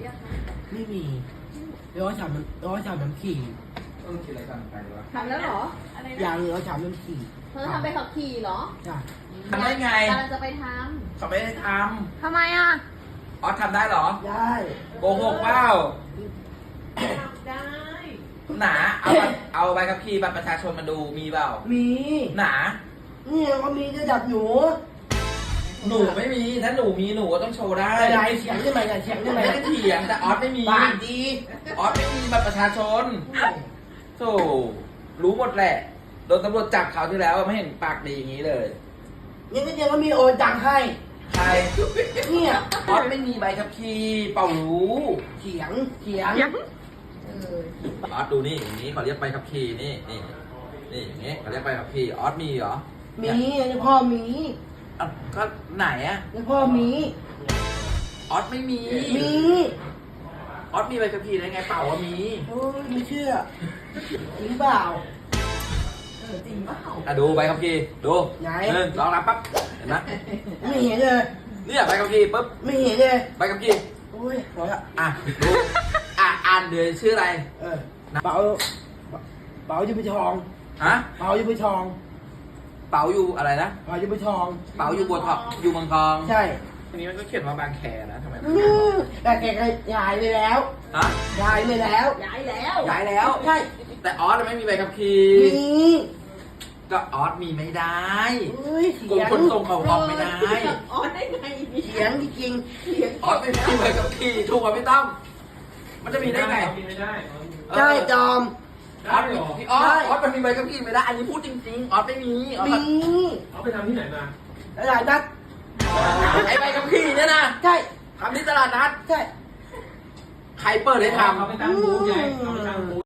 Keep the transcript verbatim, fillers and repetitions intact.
ยังคะไม่มีร้อยสามมันร้อยสามมันขี่เออคิดอะไรกันไปวะทำแล้วเหรออะไรยานะงร้อยสามมันขี่เธอทำไปขับขี่เหรอจ้ะทำได้ไงกำลังจะไปทเขาไม่ได้ทำทำไมอ่ะำอ๋อทำได้เหรอได้โกหกเปล่าได้หนาเอาบัตรเอาใบขับขี่บัตรประชาชนมาดูมีเปล่ามีหนาเนี่ยก็มีระดับหนูหนูไม่มีถ้าหนูมีหนูก็ต้องโชว์ได้อะไรเสียงได้ไหมกันเสียงได้ไม่ไหมได้เถียงแต่ออสไม่มีปากดีออสไม่มีบัตรประชาชนโธ่รู้หมดแหละโดนตำรวจจับเขาวที่แล้วไม่เห็นปากดีอย่างนี้เลยเนี่ยก็เดียวก็มีโอนตังค์ให้ใครเนี่ยออสไม่มีใบขับขี่เป่ารู้เสียงเสียงเออออสดูนี่อย่างนี้เขาเรียกใบขับขี่นี่นี่นี่อย่างนี้เขาเรียกใบขับขี่ออสมีเหรอมีเนี่ยพ่อมีอ่ะก็ไหนอะเนี่ยพ่อมีออสไม่มีมีออสมีใบขับขี่ได้ไงเปล่าว่ามีโอ้ยไม่เชื่อจริงเปล่าเออจริงเปล่าอ่ะดูใบขับขี่ดูไหนหนึ่งสองสามปั๊บเห็นไหมไม่เห็นเลยเนี่ยใบขับขี่ปุ๊บไม่เห็นเลยใบขับขี่โอ้ยพอละอ่ะดูอ่ะอ่านเดือนชื่ออะไรเออเป๋าเป๋าอยู่ไปทองฮะเป๋าอยู่ไปทองเป๋าอยู่อะไรนะเป๋าอยู่ไปทองเป๋าอยู่บัวทองอยู่เมืองทองใช่ทีนี้มันก็เขียนว่าบางแคนะทำไมอื้อแต่แกก็ย้ายไปแล้วฮะย้ายไปแล้วย้ายแล้วย้ายแล้วใช่แต่ออสไม่มีใบขับขี่มีก็ออสมีไม่ได้เฮ้ยกเสีรมยงขนส่งเขาออกไม่ได้ออนได้ไงเสียงจริงเสียงออสไม่มีใบขับขี่ถูกกว่าพี่ต้อมมันจะมีได้ไงมีไม่ได้ๆใช่จอมออสพี่ออสออสมันมีใบขับขี่ไม่ได้ อันนี้พูดจริงๆ ออสไม่มีออสมีเอาไปทำที่ไหนมาตลาดนัดไอใบขับขี่เนี่ยนะใช่ทำที่ตลาดนัดใช่ใครเปิดให้ทำเอาไปตั้งบูธไงเอาไปตั้งบูธ